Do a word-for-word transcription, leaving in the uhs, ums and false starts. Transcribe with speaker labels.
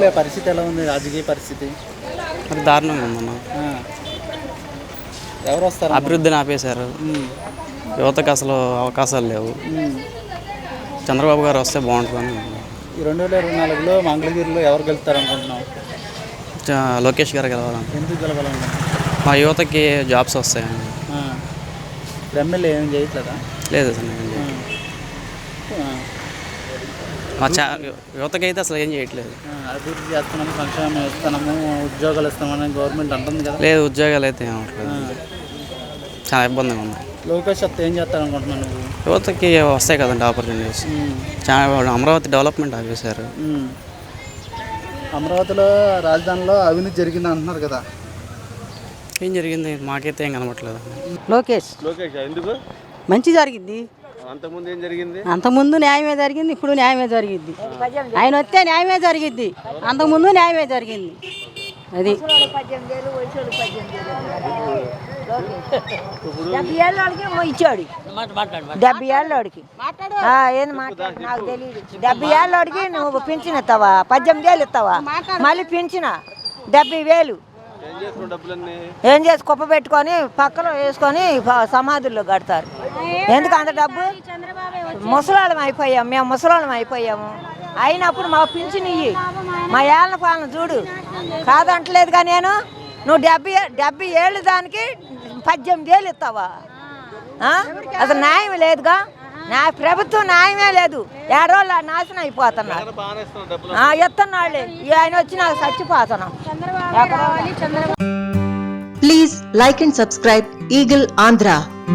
Speaker 1: ఊర్లో పరిస్థితి ఎలా ఉంది, రాజకీయ పరిస్థితి?
Speaker 2: మరి దారుణంగా ఉందన్న.
Speaker 1: ఎవరు వస్తారు?
Speaker 2: అభివృద్ధిని ఆపేశారు, యువతకు అసలు అవకాశాలు లేవు. చంద్రబాబు గారు వస్తే బాగుంటుందని.
Speaker 1: ఈ రెండు వేల ఇరవై నాలుగులో మంగళగిరిలో ఎవరు గెలుస్తారు అనుకుంటున్నాం?
Speaker 2: లోకేష్ గారు గెలవాలని.
Speaker 1: ఎందుకు గెలవాలనుకుంటున్నాం?
Speaker 2: మా యువతకి జాబ్స్ వస్తాయని.
Speaker 1: ఎమ్మెల్యే ఏం చేయట్లేదా?
Speaker 2: లేదు సార్, మా చా యువతకి అయితే అసలు ఏం చేయట్లేదు.
Speaker 1: అభివృద్ధి చేస్తున్నాము, సంక్షేమం ఇస్తున్నాము, ఉద్యోగాలు ఇస్తామని గవర్నమెంట్ అంటుంది కదా.
Speaker 2: లేదు, ఉద్యోగాలు అయితే ఏమట్లేదు, చాలా ఇబ్బందిగా ఉంది.
Speaker 1: లోకేష్ వస్తే ఏం చేస్తారు అనుకుంటున్నాను నువ్వు?
Speaker 2: యువతకి వస్తాయి కదండి ఆపర్చునిటీస్. చాలా అమరావతి డెవలప్మెంట్ ఆపేశారు.
Speaker 1: అమరావతిలో రాజధానిలో అవినీతి జరిగింది అంటున్నారు కదా,
Speaker 2: ఏం జరిగింది మాకైతే ఏం కనబట్లేదు.
Speaker 3: లోకేష్
Speaker 1: లోకేష్ ఎందుకు?
Speaker 3: మంచి జరిగింది.
Speaker 1: అంతకుముందు ఏం జరిగింది?
Speaker 3: అంతకుముందు న్యాయమే జరిగింది, ఇప్పుడు న్యాయమే జరిగింది. ఆయన వస్తే న్యాయమే జరిగింది, అంతకుముందు న్యాయమే జరిగింది. అది డెబ్బై ఏళ్ళకి ఇచ్చాడు, డెబ్బై ఏళ్ళకి ఏంది మాట్లాడు నాకు తెలియదు. డెబ్బై ఏళ్ళకి నువ్వు పింఛన్ ఇస్తావా? పద్దెనిమిది వేలు ఇస్తావా? మళ్ళీ పింఛన డెబ్బై వేలు ఏం చేసి కుప్ప పెట్టుకొని పక్కన వేసుకొని సమాధుల్లో కడతారు. ఎందుకు అంత డబ్బు? ముసలాళ్ళం అయిపోయాము మేము, ముసలాళ్ళం అయిపోయాము. అయినప్పుడు మా పింఛన్ ఇయ్యి, మా ఏళ్ళ పాలన చూడు. కాదంటలేదుగా నేను. నువ్వు డెబ్బై డెబ్బై ఏళ్ళు దానికి పద్దెనిమిది వేలు ఇస్తావా? అసలు న్యాయం లేదుగా. నా ప్రభుత్వం న్యాయమే లేదు. ఏడోళ్ళు నాశనం అయిపోతున్నారు. ఎత్తన్నాళ్ళే ఆయన వచ్చి నాకు చచ్చిపోతున్నాం.
Speaker 4: Please like and subscribe Eagle Andhra.